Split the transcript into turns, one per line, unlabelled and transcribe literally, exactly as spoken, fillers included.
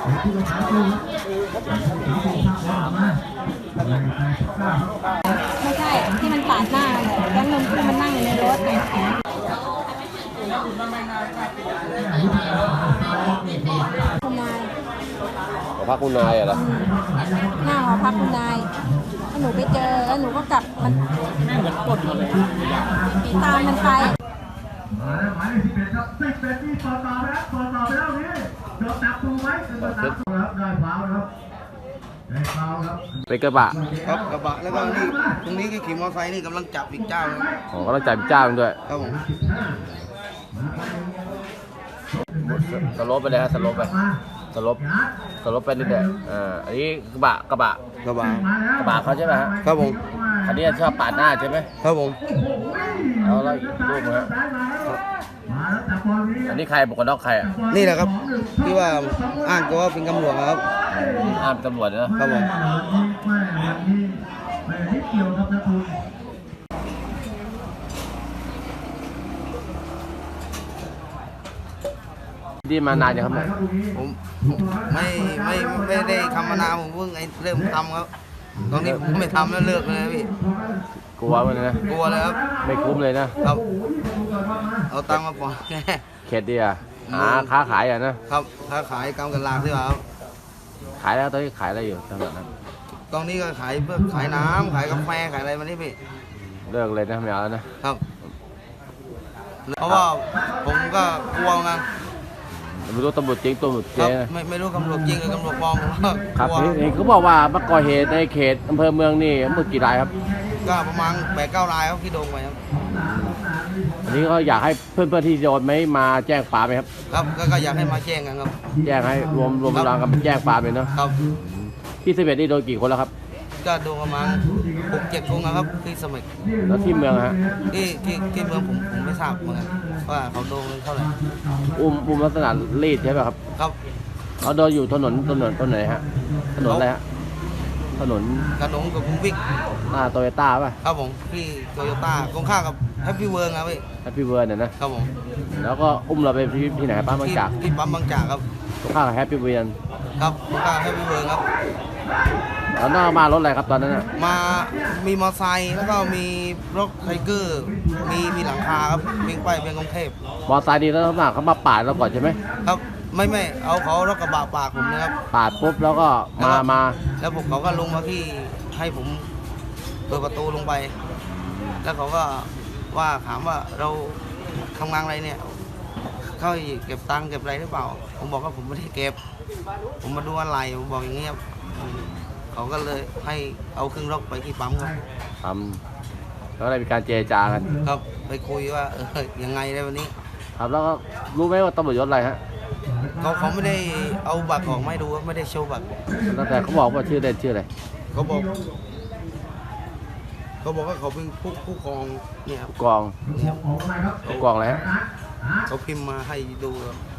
ไม่ใช่ที่มันปาดหน้าแล้วนมที่มันนั่งอยู่ในรถเนี่ยคุณนาย
หอพักคุณนายเหรอ
หน้าหอพักคุณนายหนูไปเจอแล้วหนูก็กลับมันแม่เหมือนกดเลยผีตามมันไป
มาแล้วหมายเลขสิบเอ็ดครับสิบเอ็ดนี่ต่อต่อไปแล้วต่อต่อไปแล้วนี่โดนจับตัวไหมโดนจับตัวครับได้ฟาวครับได้ฟาวครับ
เป็นกระบะ
ครับกระบะแล้วก็นี่ตรงนี้ก็ขี่มอเตอร์ไซค์นี่กำลังจับอีกเจ้าเลย
อ๋อก็ต้องจ่ายเจ้าด้วย
ครับผม
สลบไปเลยฮะสลบไปสลบสลบไปนิดเดียวอ่าอันนี้กระบะกระบะ
กระบะ
กระบะเขาใช่ไหมฮะ
ครับผม
คันนี้ชอบปาดหน้าใช่ไหม
ครับผม
เอาแล้วอีกรูปฮะอันนี้ใครบุคคลนอกใครอ่ะ
นี่แหละครับที่ว่าอ้างตัวว่าเป็นตำรวจครับ
อ้างเป็นตำรวจนะครับ
ผม
ที่มานานยังครับเนี่ย
ผมไม่ไม่ไม่ได้ทำมานานผมเพิ่งไอ้เริ่มทำครับตอนนี้ผมไม่ทำแล้วเลิกเลยพี่
กลัวมันนะ
กลัวเลยครับ
ไม่คุ้มเลยนะครับ
เอาตังค์มาปล่อยแค่
เข็ดดีอ่ะหาค้าขายอ่ะนะครับ
ค้าขายกำกันลาที่ว่าครับ
ขายแล้วตอนนี้ขายอะไรอยู่ตอนนั้น
ตอนนี้ก็ขายเพื่อขายน้ำขายกาแฟขายอะไรมานี่พี่
เลิกเลยนะไม่เอาแล้วนะครับ
เพราะว่าผมก็กลัวไง
ไม่รู้ตำรวจจริงตำรวจเจ๊
ไม่ไม่รู้ตำรวจจริงหรือตำรวจปลอม
ครับนี่เขาบอกว่ามาก่อเหตุในเขตอำเภอเมืองนี่เมื่อกี่รายครับ
ก็ประมาณแปดเก้ารายครับที่โดนไปครับ
อันนี้ก็อยากให้เพื่อนๆที่โดนไหมมาแจ้งความไหมครับ
ครับก็อยากให้มาแจ้งกันครับ
แจ้งให้รวมรวมกำลังกันแจ้งความเลยเนาะ
ครับ
ที่สิบเอ็ดนี่โดนกี่คนแล้วครับ
ก็โดนประมาณหกเจ็ดคนนะครับที่สมัย
แล้วที่เมืองฮะ
ที่ที่ที่เมืองผมผมไม่ทราบเหมือนกันว่าเขาโดนเท่าไหร่
อุ้มอุ้มลักษณะรีดใช่ไหมครับ
ครับ
เขาโดนอยู่ถนนถนนถนนไหนฮะถนนอะไรฮะถนน
ถนนกับกรุงวิก
หน้าโตโยต้าป่ะ
ครับผมที่โตโยต้าตรงข้ามกับแฮปปี้เวิร์ครับพี่
แฮปปี้เวิร์เนี่ยนะครับ
ผม
แล้วก็อุ้มเราไปที่ที่ไหนปั๊มบางจาก
ที่ปั๊มบางจากครับ
ตรงข้ามกับแฮปปี้เวิร์
ครับตรงข้ามแฮปปี้เวิร์ครับ
แล้วน้ามารถอะไรครับตอนนั้นน่ะ
มามีมอเตอร์ไซค์แล้วก็มีรถไทเกอร์มีมีหลังคาครับวิ่งไปเป็นกรุงเทพ
มอเตอร์ไซค์ดีแล้วหน้าเขามาปาดเราก่อนใช่ไหม
ครับไม่ไม่เอาเขารถกระบะปาดผมนะครับ
ปาดปุ๊บแล้วก็มามา
แล้วผมเขาก็ลงมาที่ให้ผมเปิดประตูลงไปแล้วเขาก็ว่าถามว่าเราทำงานอะไรเนี่ยเขาเก็บตังค์เก็บอะไรหรือเปล่าผมบอกว่าผมไม่ได้เก็บผมมาดูอะไรผมบอกอย่างเงี้ยเขาก็เลยให้เอาเครื่องรถไปที่ปั๊มครับ
ปั๊มแล้วได้มีการเจรจากัน
ครับไปคุยว่าเออยังไงในวันนี้
ครับแล้วก็รู้ไหมว่าตำรวจยศอะไรฮะ
เขาเขาไม่ได้เอาบัตรออกไม่ดูไม่ได้โชว์บัตร
แต่เขาบอกว่าชื่อเด่นชื่ออะไร
เขาบอกเขาบอกว่าเขาเป็นผู้ผู้กองเนี่ย
กองผู้กองอะไรฮะ
เขาพิมพ์มาให้ดู